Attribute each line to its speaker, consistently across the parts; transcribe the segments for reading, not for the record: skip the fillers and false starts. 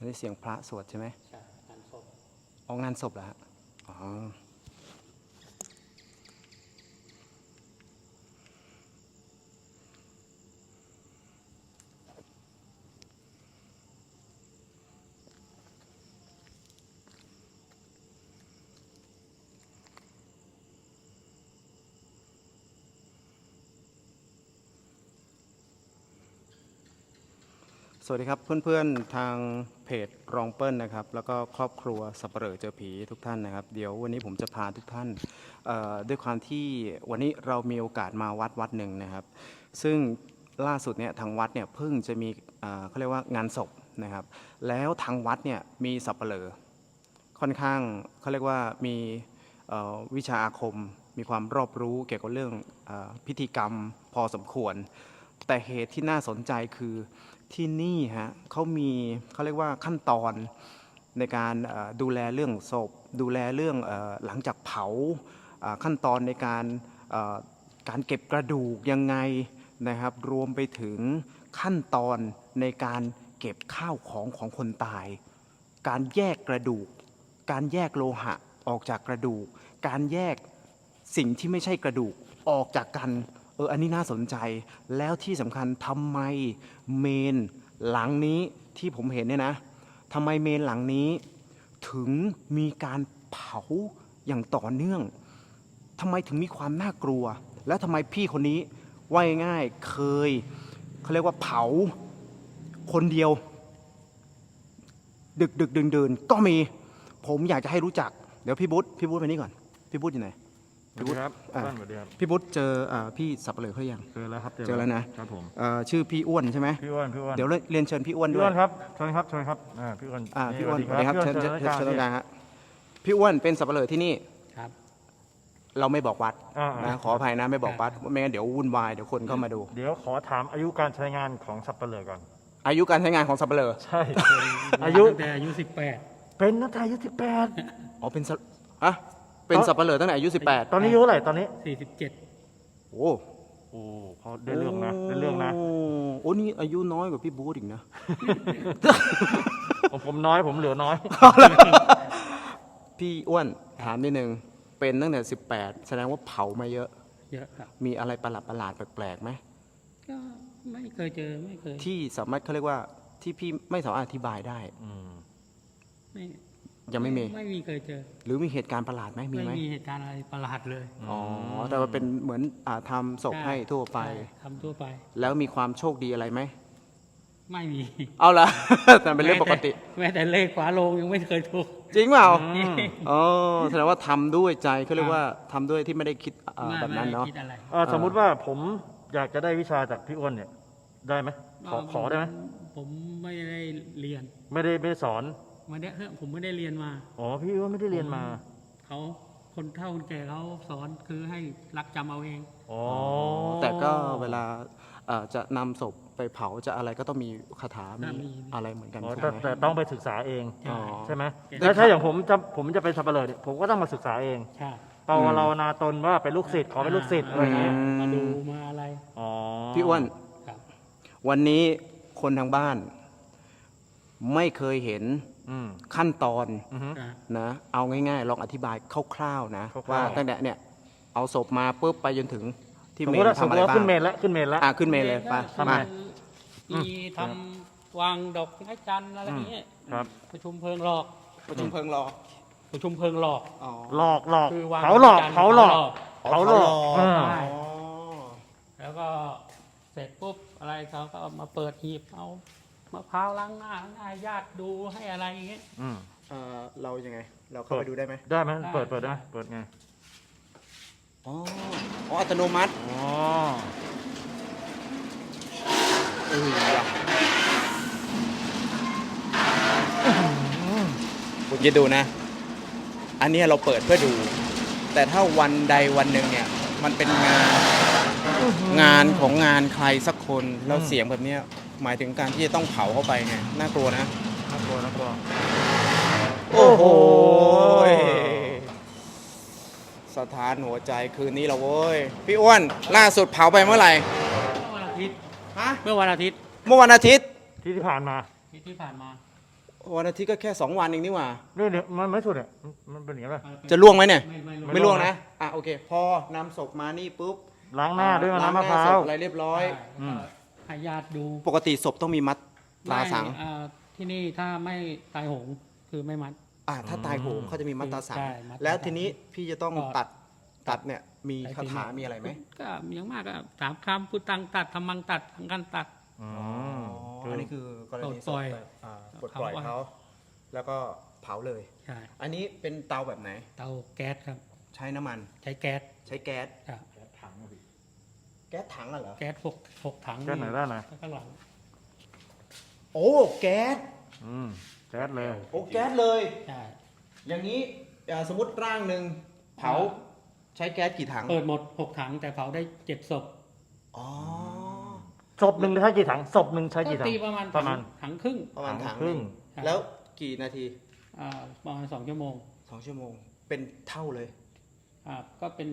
Speaker 1: นนี้เสียงพระสวดใช่ไหม
Speaker 2: ใช่งานศพ
Speaker 1: ออกงานศพเหรอฮะอ๋อสวัสดีครับเพื่อนๆทางเพจรองเปิ้ลนะครับแล้วก็ครอบครัวสัปเหร่อเจอผีทุกท่านนะครับเดี๋ยววันนี้ผมจะพาทุกท่านด้วยความที่วันนี้เรามีโอกาสมาวัดหนึ่งนะครับซึ่งล่าสุดเนี่ยทางวัดเนี่ยเพิ่งจะมีเขาเรียกว่างานศพนะครับแล้วทางวัดเนี่ยมีสัปเหร่อค่อนข้างเขาเรียกว่ามีวิชาอาคมมีความรอบรู้เกี่ยวกับเรื่องพิธีกรรมพอสมควรแต่เหตุที่น่าสนใจคือที่นี่ฮะเขาเรียกว่าขั้นตอนในการดูแลเรื่องศพดูแลเรื่องหลังจากเผาขั้นตอนในการเก็บกระดูกยังไงนะครับรวมไปถึงขั้นตอนในการเก็บข้าวของคนตายการแยกกระดูกการแยกโลหะออกจากกระดูกการแยกสิ่งที่ไม่ใช่กระดูกออกจากกันอันนี้น่าสนใจแล้วที่สำคัญทำไมเมนหลังนี้ที่ผมเห็นเนี่ยนะทำไมเมนหลังนี้ถึงมีการเผาอย่างต่อเนื่องทำไมถึงมีความน่ากลัวแล้วทำไมพี่คนนี้ว่าง่ายๆเขาเรียกว่าเผาคนเดียวดึกดื่นก็มีผมอยากจะให้รู้จักเดี๋ยวพี่บุ๊ทไปนี่ก่อนพี่บุ๊ทอยู่ไหน
Speaker 3: พี่บุ๊ทครับสวัสดีครับ
Speaker 1: พี่บุ๊ทเจอพี่สับเปลือกเขายัง
Speaker 3: เจอแล้วครับ
Speaker 1: เจอแล้วนะครับ
Speaker 3: ผม
Speaker 1: ชื่อพี่อ้วนใช่ไหม
Speaker 3: พี่อ้วน
Speaker 1: เดี๋ยวเรียนเชิญพี่อ้วนด้วย
Speaker 3: พี่อ้วนครับเชิญครับพี่อ้วน
Speaker 1: พี่อ้วนสวัสดีครับเชิญตรงกลางฮะพี่อ้วนเป็นสับเปลือกที่นี่
Speaker 2: ครับ
Speaker 1: เราไม่บอกวัดนะขออภัยนะไม่บอกวัดไม่งั้นเดี๋ยววุ่นวายเดี๋ยวคนเข้ามาดู
Speaker 3: เดี๋ยวขอถามอายุการใช้งานของสับเปลือกก่อน
Speaker 1: อายุการใช้งานของสับเปลือก
Speaker 3: ใช่
Speaker 2: อายุตั้งแต่อายุ18
Speaker 3: เป็นตั้งแต่อายุ18
Speaker 1: อ๋อเป็นสับเปลือกตั้งแต่อายุ18
Speaker 3: ตอนนี้อายุเท่าไหร่ตอนนี้
Speaker 2: 47
Speaker 1: โอ้
Speaker 3: เขาได้เรื่องนะ
Speaker 1: โอ้นี่อายุน้อยกว่าพี่บู๊ดอีกนะ
Speaker 3: ผมน้อยผมเหลือน้อย
Speaker 1: พี่อ้วนถามนิดนึงเป็นตั้งแต่18แสดงว่าเผามาเยอะ
Speaker 2: ครับ
Speaker 1: มีอะไรประหลาดแปลกๆไหม
Speaker 2: ก็ไม่เคยเจอไม่เคย
Speaker 1: ที่สามารถเขาเรียกว่าที่พี่ไม่สามารถอธิบายได้ยังไม่
Speaker 2: มีเคยเจอ
Speaker 1: หรือมีเหตุการณ์ประหลาดไหมมีไหม
Speaker 2: ไม่มีเหตุการณ์อะไรประหลาดเลย
Speaker 1: อ๋อแต่ว่าเป็นเหมือนทำศพให้ทั่วไป
Speaker 2: ทำทั่วไป
Speaker 1: แล้วมีความโชคดีอะไรไหม
Speaker 2: ไม่มี
Speaker 1: เอาละแต่เป็นเรื่องปกติ
Speaker 2: แม้แต่เลขฝาโลงยังไม่เคยถูก
Speaker 1: จริงเปล่าอ๋อแสดงว่าทำด้วยใจเขาเรียกว่าทำด้วยที่ไม่ได้คิดแบบนั้นเนาะ
Speaker 3: สมมุติว่าผมอยากจะได้วิชาจากพี่อ้วนเนี่ยได้ไหมขอได้ไหม
Speaker 2: ผมไม่ได้เรียน
Speaker 3: ไม่ได้สอน
Speaker 2: ผมไม่ได้เรียนมา
Speaker 3: อ๋อพี่อ้วนไม่ได้เรียนมา
Speaker 2: เขาคนเฒ่าคนแก่เขาสอนคือให้รักจำเอาเอง
Speaker 1: อ๋อแต่ก็เวลาจะนำศพไปเผาจะอะไรก็ต้องมีคาถามีอะไรเหมือนกัน
Speaker 3: แต่ต้องไปศึกษาเองใช่ไหมแล้วถ้าอย่างผมจะเป็นสับเปลือกผมก็ต้องมาศึกษาเองเรานาตนว่าเป็นลูกศิษย์ขอเป็นลูกศิษย์อะไรเงี้ย
Speaker 2: มาดูมาอะไร
Speaker 1: อ๋อพี่อ้วนวันนี้คนทางบ้านไม่เคยเห็นขั้นตอนนะเอาง่ายๆลองอธิบายคร่าวๆนะว่าตั้งแต่เนี่ยเอาศพมาปุ๊บไปจนถึงที่เมนทำอะไรบ้าง
Speaker 3: ขึ้นเมนแล้วขึ้นเมน
Speaker 1: เลยไป
Speaker 2: มามีทำวางดอกไม้จันทร์อะไรอย่างเงี้ยประชุมเพลิงหลอก
Speaker 1: เผล
Speaker 2: หลอก
Speaker 3: เผาหลอก
Speaker 2: แล้วก็เสร็จปุ๊บอะไรเขาก็มาเปิดหีบเอามะพร้าวล้างหน้าญาติดูให้อะไรอย่างเงี้ย
Speaker 1: เรายังไงเราเข้าไปดูได้ไหม
Speaker 3: ได้ไหมเปิดได้เปิดไง
Speaker 1: อ๋ออัตโนมัติคุณจะดูนะอันนี้เราเปิดเพื่อดูแต่ถ้าวันใดวันหนึ่งเนี่ยมันเป็นงานของงานใครสักคนแล้วเสียงแบบนี้หมายถึงการที่จะต้องเผาเข้าไปไงน่ากลัวนะ
Speaker 3: น่ากลัว
Speaker 1: โอ้โหสถานหัวใจคืนนี้เราเว้ยพี่อ้วนล่าสุดเผาไปเมื่อไหร่
Speaker 2: เมื่อวันอาทิตย์
Speaker 1: ที่ผ่านมาวันอาทิตย์ก็แค่2 วันเองนี่หว่า
Speaker 3: นี่เนี่ยมันไม่สุดเนี่ยมันเป็นอย่างนี้ป่ะ
Speaker 1: จะล่วงไหมเนี่ย
Speaker 2: ไม่
Speaker 1: ไม่ล่วงนะอ่ะโอเค พอนำศพมานี่ปุ๊บ
Speaker 3: ล้างหน้าด้วย
Speaker 1: ล้
Speaker 3: น้ำมะพ
Speaker 1: ห
Speaker 3: ร้า
Speaker 1: ศ
Speaker 3: ว
Speaker 1: พอะไรเรียบร้อย
Speaker 3: อืม
Speaker 2: ให้ญาติดู
Speaker 1: ปกติศพต้องมีมัดตราสัง
Speaker 2: ไม่ที่นี่ถ้าไม่ตายโหงคือไม่มัด
Speaker 1: ถ้าตายโหงเขาจะมีมัดตราสัง
Speaker 2: ใช่มัดตราสัง
Speaker 1: แล้วทีนี้พี่จะต้อง
Speaker 2: ก็
Speaker 1: ตัดเนี่ยมีคาถามีอะไรไหม
Speaker 2: ก็อย่างมากก็3 คำพุทธังตัดธรรมังตัดสังฆังตัด
Speaker 3: อื
Speaker 1: อ๋อ
Speaker 3: ม
Speaker 1: อันนี้คือกรณี
Speaker 2: ปลดปล่อย
Speaker 1: ปลดปล่อยเขาแล้วก็เผาเลย
Speaker 2: ใช่
Speaker 1: อันนี้เป็นเตาแบบไหน
Speaker 2: เตาแก๊สครับ
Speaker 1: ใช้น้ำมัน
Speaker 2: ใช้แก๊ส
Speaker 1: ใช้แก๊ส
Speaker 2: ครับ
Speaker 1: แก๊สถังเหรอ
Speaker 2: แก๊ส6 ถัง
Speaker 3: แก๊สไหนได้ไหน
Speaker 2: ข้างหลัง
Speaker 1: โอ้แก๊ส
Speaker 3: แก๊สเลย
Speaker 1: โอ้แก๊สเลย
Speaker 2: ใช่
Speaker 1: อย่างนี้สมมติร่างหนึ่งเผาใช้แก๊สกี่ถัง
Speaker 2: เปิดหมด6 ถังแต่เผาได้7 ศพ
Speaker 1: อ๋อ
Speaker 3: ศพหนึ่งใช้กี่ถังศพหนึ่งใช้กี่
Speaker 2: ก็
Speaker 3: ถัง
Speaker 2: ตีประมาณ
Speaker 3: ประมาณ
Speaker 2: ถังครึ่ง
Speaker 1: ประมาณถัง
Speaker 3: ครึ่ง
Speaker 1: หนึ่งแล้วกี่นาที
Speaker 2: ประมาณ2 ชั่วโมง
Speaker 1: 2 ชั่วโมง เป็นเท่าเลย
Speaker 2: ก็เป็น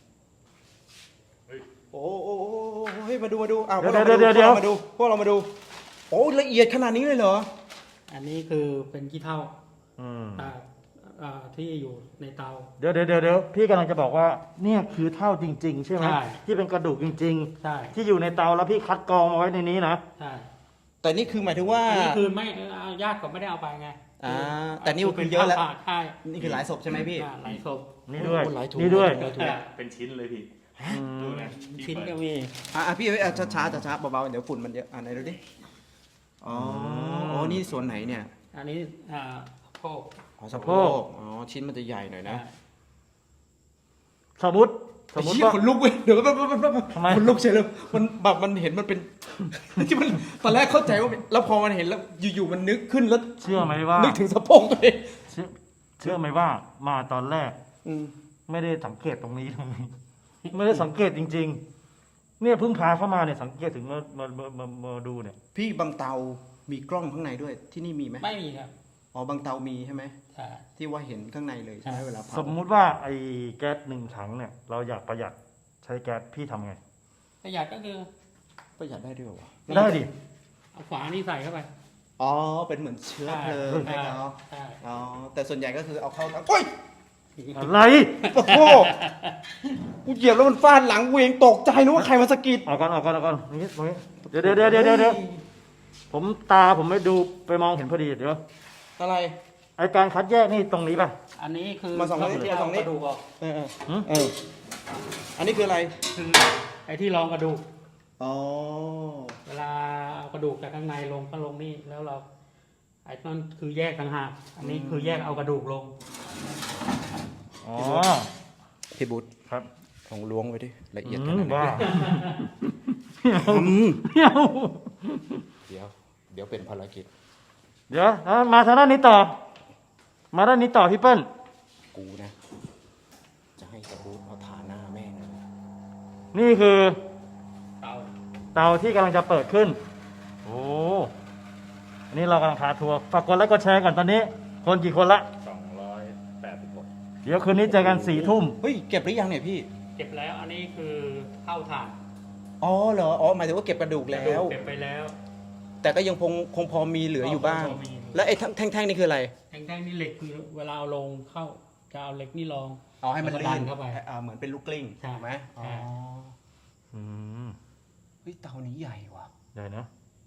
Speaker 1: โอ้เฮ้ยมาดูอ้าว
Speaker 3: เดี๋ยว
Speaker 1: พวกเรามาดูโอ้ละเอียดขนาดนี้เลยเหรอ
Speaker 2: อันนี้คือเป็นขี้เถ้า
Speaker 3: อืม
Speaker 2: ที่อยู่ในเตา
Speaker 3: เดี๋ยวพี่กำลังจะบอกว่าเนี่ยคือเท่าจริง ๆ ใช่ไหม
Speaker 2: ใช่
Speaker 3: ที่เป็นกระดูกจริง
Speaker 2: ใช่
Speaker 3: ๆ ที่อยู่ในเตาแล้วพี่คัดกรองมาไว้ในนี้นะ
Speaker 2: ใช่
Speaker 1: แต่นี่คือหมายถึงว่า
Speaker 2: อันนี้คือไม่ญาติก็ไม่ได้เอาไปไง
Speaker 1: แต่นี่คือเยอะแล้ว
Speaker 2: ใช่
Speaker 1: นี่คือหลายศพใช่ไหมพี่
Speaker 2: หลายศพ
Speaker 3: นี่ด้วย
Speaker 1: โอ้หลายถุง
Speaker 3: นี่ด้วย
Speaker 1: หลายถุง
Speaker 4: เป็นชิ้นเลยพี่ดูนะ
Speaker 2: ชิ้นก็มี
Speaker 1: พี่ช้าเบาๆเดี๋ยวฝุ่นมันเยอะไหนดูดิอ๋อนี่ส่วนไหนเนี่ย
Speaker 2: อันนี้โพก
Speaker 1: สะโพกชิ้นมันจะใหญ่หน่อยนะ
Speaker 3: สมมติ
Speaker 1: ไอ้
Speaker 3: ว่า
Speaker 1: เหี้ยขนลุกเว้ยเดี๋ยวแป๊บ
Speaker 3: ทำไม
Speaker 1: ขนลุกเฉยเลยมันแบบมันเห็นมันเป็น ที่มันตอนแรกเข้าใจว่าเป็นแล้วพอมันเห็นแล้วอยู่ๆมันนึกขึ้นแล้ว
Speaker 3: เชื่อไหมว่า
Speaker 1: นึกถึงสะโพกตัวเอง
Speaker 3: เชื่อไหมว่ามาตอนแรก ไม่ได้สังเกตตรงนี้เลยไม่ได้สังเกตจริง ๆ เนี่ยเพิ่งพาเข้ามาเนี่ยสังเกตถึงมาดูเนี่ย
Speaker 1: พี่บางเตามีกล้องข้างในด้วยที่นี่มีไหม
Speaker 2: ไม่มีครับ
Speaker 1: บางเตามีใช่ไหม
Speaker 2: ใช่
Speaker 1: ที่ว่าเห็นข้างในเลยใช่ไหมเวลาเผา
Speaker 3: สมมุติว่าไอ้แก๊สหนึ่งถังเนี่ย เราอยากประหยัดใช้แก๊สพี่ทำไง
Speaker 2: ประหยัดก็คือ
Speaker 1: ประหยัดได้ด้วยวะ
Speaker 3: ได้ดิ
Speaker 2: เอาฝานี่ใส่เข้าไป
Speaker 1: เป็นเหมือนเชื้อเพลิงให้เขา
Speaker 2: ใช่
Speaker 1: แต่ส่วนใหญ่ก็คือเอาเข้าทั้งโอ้ย
Speaker 3: อะไร
Speaker 1: โอ้โหกูเหยียบแล้วมันฟาดหลังกูเองตกใจนึกว่าใครมาสะกิด
Speaker 3: เอาก่อนนี่ตรงนี้เดี๋ยวผมไม่ดูไปมองเห็นพอดีเดี๋ยว
Speaker 1: อะไร
Speaker 3: ไอการคัดแยกนี่ตรงนี้ป่ะ
Speaker 2: อันนี้คือ
Speaker 1: มาส่องนี่
Speaker 2: ที่
Speaker 1: มาส่
Speaker 2: เอา
Speaker 1: อง
Speaker 2: ก
Speaker 1: นี่
Speaker 2: ระดูกออก
Speaker 1: อันนี้คืออะไร
Speaker 2: คือไอ้ที่รองกระดูก
Speaker 1: อ๋อ
Speaker 2: เวลาเอากระดูกจากข้างในลงก็ลงนี่แล้วเราไอ้นั่นคือแยกต่างหากอันนี้คือแยกเอากระดูกลง
Speaker 3: อ๋อ
Speaker 1: พี่บุ๊ท
Speaker 3: ครับ
Speaker 1: ของล้วงไว้ดิละเอียดขนาดไหน
Speaker 3: บ้า
Speaker 1: เดี๋ยวเป็นภารกิจ
Speaker 3: เดี๋ยวมาทางด้านนี้ต่อ มาด้านนี้ต่อพี่เปิ้ล
Speaker 1: กูนะ จะให้ตะบูทเอาฐานหน้าแม่งเลย
Speaker 3: นี่คือ
Speaker 2: เตา
Speaker 3: เตาที่กำลังจะเปิดขึ้น โอ้อันนี้เรากำลังพาทัวร์ฝากกดไลค์กดแชร์ก่อนตอนนี้ คนกี่คนละ
Speaker 4: 286
Speaker 3: เดี๋ยวคืนนี้เจอกัน4 ทุ่ม
Speaker 1: เฮ้ยเก็บหรือยังเนี่ยพี่
Speaker 2: เก็บแล้วอันนี้คือเข้าถ่าน
Speaker 1: เหรอหมายถึงว่าเก็บกระดูก
Speaker 2: กระ
Speaker 1: แล้
Speaker 2: ดูก
Speaker 1: ว
Speaker 2: เก็บไปแล้ว
Speaker 1: แต่ก็ยังคงพอมีเหลืออยู่บ้าง
Speaker 2: พอมี
Speaker 1: แล้วไอ้แท่งๆนี่คืออะไร
Speaker 2: แท่งๆนี่เหล็กคือเวลาเอาลงเข้าจะเอาเหล็กนี่รอง
Speaker 1: เอาให้มัน
Speaker 2: แล้วก็
Speaker 1: ลื่
Speaker 2: ดั
Speaker 1: น
Speaker 2: นเข้าไป
Speaker 1: เหมือนเป็นลูกกลิ้ง
Speaker 2: ใช่
Speaker 1: ถูกไหม
Speaker 2: ใช่
Speaker 3: อืม
Speaker 1: เฮ้ยเตานี้ใหญ่ว่ะ
Speaker 3: ได้นะ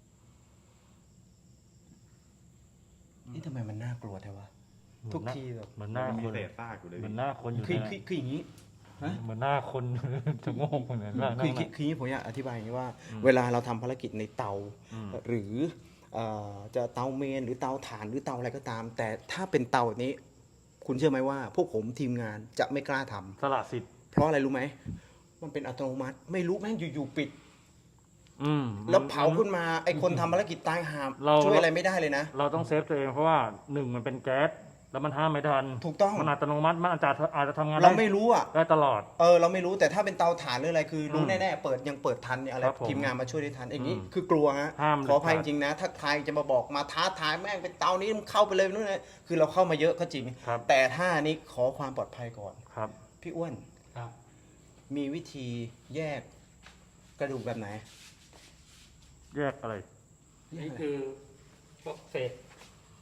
Speaker 1: นี่ทำไมมันน่ากลัวแท้วะ ทุกทีแบบ
Speaker 3: เหมือนหน้า
Speaker 4: มี
Speaker 3: คน
Speaker 4: เศษซากอยู่เลย
Speaker 3: เหมื
Speaker 4: พี่
Speaker 3: อนหน้าคนอยู่
Speaker 1: คือ
Speaker 3: นะ
Speaker 1: อย่างนี้
Speaker 3: เหมือนหน้าคน จะโง่เหมือนหน้า
Speaker 1: คืออย่างนี้ผมอยากอธิบายอย่างนี้ว่า เวลาเราทำภารกิจในเตา
Speaker 3: อืม
Speaker 1: หรือจะเตาเมนหรือเตาถ่านหรือเตาอะไรก็ตาม แต่ถ้าเป็นเตาแบบนี้ คุณเชื่อไหมว่า พวกผมทีมงานจะไม่กล้าทำ
Speaker 3: สละสิทธิ์
Speaker 1: เพราะอะไรรู้ไหม มันเป็นอัตโนมัติ ไม่รู้แม่งอยู่ๆปิด
Speaker 3: อืม
Speaker 1: แล้วเผาขึ้นมาไอ้คนทำภารกิจตายหาม
Speaker 3: เรา
Speaker 1: ช่วยอะไรไม่ได้เลยนะ
Speaker 3: เราต้องเซฟตัวเองเพราะว่า1มันเป็นแก๊สแล้วมันห้ามไม่ทัน
Speaker 1: ถูกต้อง
Speaker 3: มันอัตโนมัติมันอาจจะทำงาน
Speaker 1: เราไม่รู้อ่ะ
Speaker 3: ได้ตลอด
Speaker 1: เราไม่รู้แต่ถ้าเป็นเตาถ่านหรืออะไรคือรู้
Speaker 3: อืม
Speaker 1: แน่ๆเปิดยังเปิดทันเนี่ยอะไร
Speaker 3: ครับผม
Speaker 1: ทีมงานมาช่วยได้ทันอย่างนี้
Speaker 3: อืม
Speaker 1: คือกลัวฮะ
Speaker 3: ห้าม
Speaker 1: ขออภัย
Speaker 3: เด็
Speaker 1: จ
Speaker 3: ดขาด
Speaker 1: ริงๆนะ ถ้าใครจะมาบอกมาท้าทายแม่งเป็นเตานี้มึงเข้าไปเลยนู่นนะคือเราเข้ามาเยอะก็จริง
Speaker 3: ครับ
Speaker 1: แต่ถ้านี้ขอความปลอดภัยก่อน
Speaker 3: ครับ
Speaker 1: พี่อ้วน
Speaker 2: ครับ
Speaker 1: มีวิธีแยกกระดูกแบบไหน
Speaker 3: แยกอะไร
Speaker 2: นี่คือพวกเศษ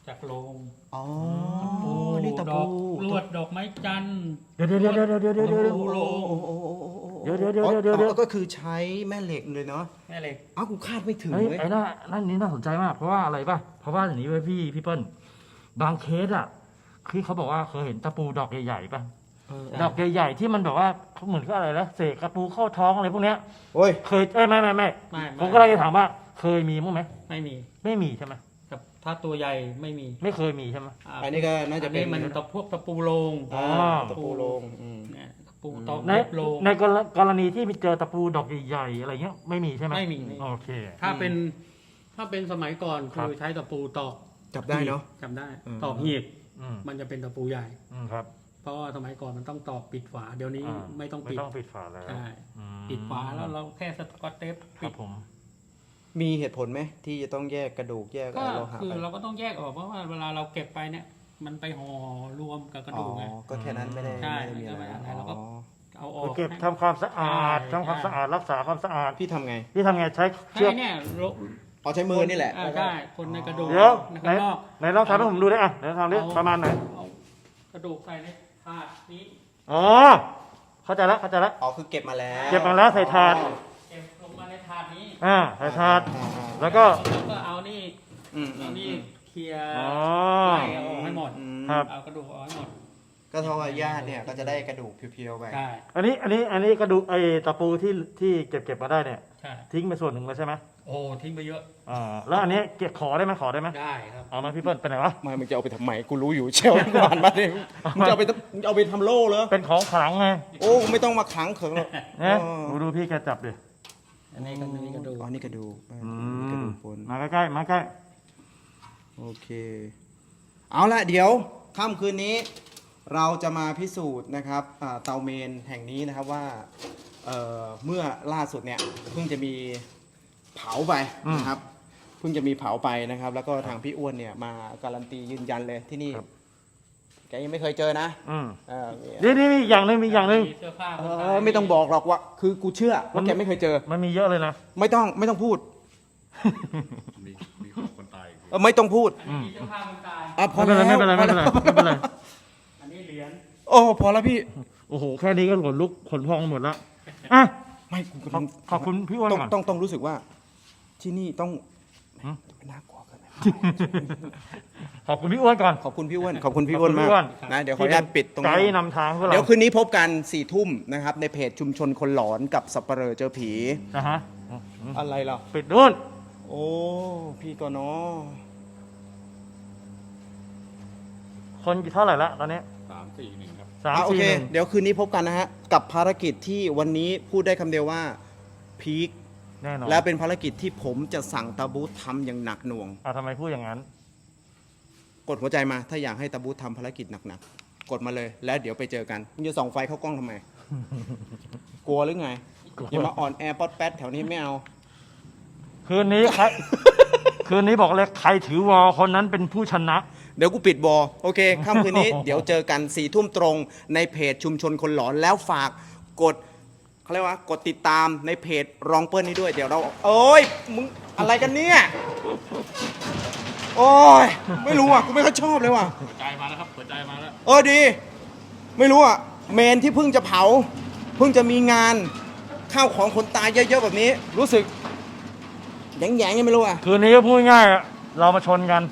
Speaker 2: จากโรง
Speaker 1: อ๋อ
Speaker 2: ตะปู
Speaker 1: นี่ตะ
Speaker 2: ด
Speaker 1: ปู
Speaker 2: อกลวดดอกไม้จันทร์
Speaker 3: เดี๋ยว
Speaker 2: ตะปูโลง
Speaker 3: เดี๋ยว
Speaker 1: ก็คือใช้แม่เหล็กเลยเนาะ
Speaker 2: แม่เหล็ก
Speaker 1: อ้าวกูคาดไม่ถึง
Speaker 3: เฮ้ย
Speaker 1: เลย
Speaker 3: ไอ้นั่นนี่น่าสนใจมากเพราะว่าอะไรป่ะเพราะว่าอย่างนี้เว้ยพี่เปิ้ลบางเคสอ่ะคือเขาบอกว่าเคยเห็นตะปูดอกใหญ่ๆป่ะดอกใหญ่ๆที่มันแบบว่าเขาเหมือนก็อะไรนะเสกตะปูเข้าท้องอะไรพวกเนี้ย
Speaker 1: โอ้ย
Speaker 3: เคยไม่
Speaker 2: ไม่
Speaker 3: ผมก็เลยจะถามว่าเคยมีมั้งไหม
Speaker 2: ไม่มี
Speaker 3: ไม่มีใช่ไหม
Speaker 2: กับถ้าตัวใหญ่ไม่มี
Speaker 3: ไม่เคยมีใช่ไหม
Speaker 1: อันนี้ก็น่าจะเป็น
Speaker 2: อัมันพวกตะปูโลง
Speaker 1: อ่า
Speaker 3: อ๋อ
Speaker 1: ตะปูโลง
Speaker 2: เนี่ยตะปูตอก
Speaker 3: ใน
Speaker 2: เล็บโลง
Speaker 3: ในกรณีที่มีเจอตะปูดอกใหญ่ๆอะไรเงี้ยไม่มีใช่ไหม
Speaker 2: ไม่มี
Speaker 3: โอเค
Speaker 2: ถ้าเป็นสมัยก่อน
Speaker 3: ครับ
Speaker 2: คือใช้ตะปูตอก
Speaker 1: จับได้เนาะ
Speaker 2: จำได้
Speaker 1: อืม
Speaker 2: ตอกหีบ
Speaker 3: อืม
Speaker 2: มันจะเป็นตะปูใหญ่
Speaker 3: ครับ
Speaker 2: เพราะว่าสมัยก่อนมันต้องตอกปิดฝาเดี๋ยวนี้
Speaker 3: อ่า
Speaker 2: ไม่ต้อง
Speaker 3: ไม่
Speaker 2: ปิด
Speaker 3: ต้องปิดฝาแล้ว
Speaker 2: ใช่
Speaker 3: อืม
Speaker 2: ปิดฝาแล้วเราแค่สกอตเทป
Speaker 3: ค
Speaker 2: ปิ
Speaker 3: รั
Speaker 2: ด
Speaker 3: บผม
Speaker 1: มีเหตุผลไหมที่จะต้องแยกกระดูกแยก
Speaker 2: ก็
Speaker 1: อะไรโลหะ
Speaker 2: คือ
Speaker 1: ไป
Speaker 2: เราก็ต้องแยกออกเพราะว่าเวลาเราเก็บไปเนี่ย มันไปห่อรวมกับกระ
Speaker 1: อ๋อ
Speaker 2: ดูกไง
Speaker 1: ก็แค่นั้นไม่ได้
Speaker 2: ใช่
Speaker 1: ไม่ได้มีอะไร
Speaker 2: ไม่ได้อะไรเราก็
Speaker 1: อ๋อ
Speaker 2: เอาออ
Speaker 3: คื
Speaker 2: ก
Speaker 3: อเก็บทำความสะอาดทำความสะอาดรักษาความสะอาด
Speaker 1: พี่ทำไง
Speaker 3: ที่ทำไงใช้เชื
Speaker 2: ใช่
Speaker 3: อก
Speaker 2: เนี่ย
Speaker 1: เอาใช้มือนี่แหละ
Speaker 2: ใช่คนในกระดูก
Speaker 3: เดี๋ยว
Speaker 2: ใน
Speaker 3: ไหน
Speaker 2: ข้างนอก
Speaker 3: ไหนลองทำให้ผมดูได้อ่ะไหนทำดิประมาณไหน
Speaker 2: เอากระดูกใส่ในถาดนี้
Speaker 3: อ๋อเข้าใจแล้วเข้าใจแล้ว
Speaker 1: อ๋อคือเก็บมาแล้ว
Speaker 3: เก็บมาแล้วใส่ถาด
Speaker 2: เก็บลงมาในถาดนี้
Speaker 3: ใส่ถาด
Speaker 1: อ่า
Speaker 3: แล้วก็
Speaker 2: แล้วก็เอานี่
Speaker 1: อืม
Speaker 2: เอานี่เคลียร์
Speaker 3: อ๋อ
Speaker 2: ไล่เอาออกให้หมด
Speaker 3: ครับ
Speaker 2: เอากระดูกออกให้หมด
Speaker 1: ก็เท่ากับญาติเนี่ยก็จะได้กระดูกเพียวๆไป
Speaker 2: ใช่
Speaker 3: อันนี้กระดูกไอ้ตะปูที่เก็บมาได้เนี่ย
Speaker 2: ใช่
Speaker 3: ทิ้งไปส่วนหนึ่งแล้วใช่ไหม
Speaker 2: โอ้ทิ้งไปเยอะ
Speaker 3: แล้วอันนี้เก็บขอได้ไหม
Speaker 2: ได้ครับ
Speaker 3: เอามาพี่เปิ้ลไปไหนวะ
Speaker 1: ไม่มึงจะเอาไปทำไมกูรู้อยู่เชลล์ผ่านมาเนี่ยมึงจะเอาไปทำโล่เหรอ
Speaker 3: เป็นของขลังไง
Speaker 1: โอ้ไม่ต้องมาขังเขิงหรอก
Speaker 3: นะ
Speaker 1: อ๋อ
Speaker 3: ดูพี่แกจับดิ
Speaker 2: อันนี้ก็มีกระดูก
Speaker 1: อ๋อนี่กระดูก
Speaker 3: อื
Speaker 1: กระ
Speaker 3: ม
Speaker 1: ดูกปน
Speaker 3: มาใกล้ๆมาใกล้
Speaker 1: โอเค เอาละเดี๋ยวค่ำคืนนี้ เราจะมาพิสูจน์นะครับเตาเมนแห่งนี้นะครับว่าเมื่อล่าสุดเนี่ยเพิ่งจะมีเผาไปนะครับเพิ่งจะมีเผาไปนะครับ แล้วก็ทางพี่อ้วนเนี่ยมาการันตียืนยันเลยที่นี่แกยังไม่เคยเจอนะ
Speaker 3: อืม
Speaker 1: เออ
Speaker 3: นี่มีอีกอย่างหนึ่งมีอีกอย่างหนึ่ง
Speaker 2: มีเสื้อผ้า
Speaker 1: ไม่ต้องบอกหรอกว่าคือกูเชื่อว่าแกไม่เคยเจอ
Speaker 3: มันมีเยอะเลยนะ
Speaker 1: ไม่ต้องพูด
Speaker 4: มีของคนตายอีก
Speaker 1: ไม่ต้องพูด
Speaker 2: อันนี้มีเสื้อผ้าคนตาย
Speaker 1: พอ
Speaker 3: ไม่
Speaker 1: แล้ว
Speaker 3: เป็นไรไม่เป็นไรไม่เป็นไร
Speaker 2: อันนี้เหรียญ
Speaker 1: โอ้พอแล้วพี่
Speaker 3: โอ้โหแค่นี้ก็ขนลุกขนพองหมดแล้วอ่ะ
Speaker 1: ไม่กู
Speaker 3: ขอบคุณพี่อ้วนก่อน
Speaker 1: ต้องรู้สึกว่า ที่นี่ต้อง
Speaker 3: หืม
Speaker 1: ไม่น่ากลัวเกินไป
Speaker 3: ขอบคุณพี่อ้วนก่อน
Speaker 1: ขอบคุณพี่อ้วนขอบคุณพี่อ้วนมาก
Speaker 3: ขอบคุณพี่อ้วน
Speaker 1: นะเดี๋ยวขออนุญาตปิดตรง
Speaker 3: ไก
Speaker 1: นี้
Speaker 3: ด์นำทางพวกเรา
Speaker 1: เดี๋ยวคืนนี้พบกัน4 ทุ่มนะครับในเพจชุมชนคนหลอนกับสับปะเหร่อเจอผี
Speaker 3: นะฮะ
Speaker 1: อะไรล่ะ
Speaker 3: ปิดนู่น
Speaker 1: โอ้พี่ก็เนาะ
Speaker 3: คนกี่เท่าไหร่ละตอนนี้
Speaker 4: 341 ครับ
Speaker 3: 3
Speaker 1: โอเค
Speaker 3: 4 1
Speaker 1: เดี๋ยวคืนนี้พบกันนะฮะกับภารกิจที่วันนี้พูดได้คำเดียวว่าพีค
Speaker 3: แน่นอน
Speaker 1: และเป็นภารกิจที่ผมจะสั่งตาบูธทำอย่างหนักหน่วง
Speaker 3: ทำไมพูดอย่างนั้น
Speaker 1: กดหัวใจมาถ้าอยากให้ตาบูธทำภารกิจหนักๆ กดมาเลยแล้วเดี๋ยวไปเจอกันมึงจะส่องไฟเข้ากล้องทำไม กลัวหรือไง อย่ามาอ่อนแอป๊อดแป๊ดแถวนี้ไม่เอา
Speaker 3: คืนนี้ใคร คืนนี้บอกเลยใครถือวอคนนั้นเป็นผู้ชนะ
Speaker 1: เดี๋ยวกูปิดบอโอเคค่ำคืนนี้ เดี๋ยวเจอกัน4 ทุ่มตรงในเพจชุมชนคนหลอนแล้วฝากกดเขาเรียกว่ากดติดตามในเพจรองเปิ้ลนี้ด้วยเดี๋ยวเราโอ้ยมึงอะไรกันเนี่ยโอ้ยไม่รู้อ่ะกูไม่ค่อยชอบเลยว่ะ
Speaker 4: หัวใจมาแล้วครับหัวใจมาแล้ว
Speaker 1: ดี ไม่รู้อ่ะเมนที่เพิ่งจะเผา เพิ่งจะมีงานข้าวของคนตายเยอะๆแบบนี้ รู้สึกแหยงๆยังไม่รู้อ่ะ
Speaker 3: คืนนี้ก็พูดง่ายๆอะเรามาชนกัน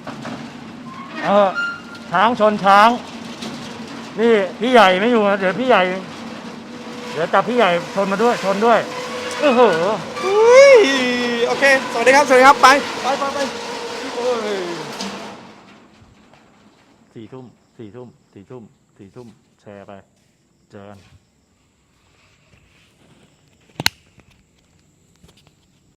Speaker 3: ช้างชนช้าง นี่พี่ใหญ่ไม่อยู่นะเดี๋ยวพี่ใหญ่ เดี๋ยวจับพี่ใหญ่ชนมาด้วยชนด้วยโอ้โห
Speaker 1: อุ้ยโอเค สวัสดีครับ สวัสดีครับ ไปโอ้ย
Speaker 3: 4 ทุ่มแชร์ไป เจอกัน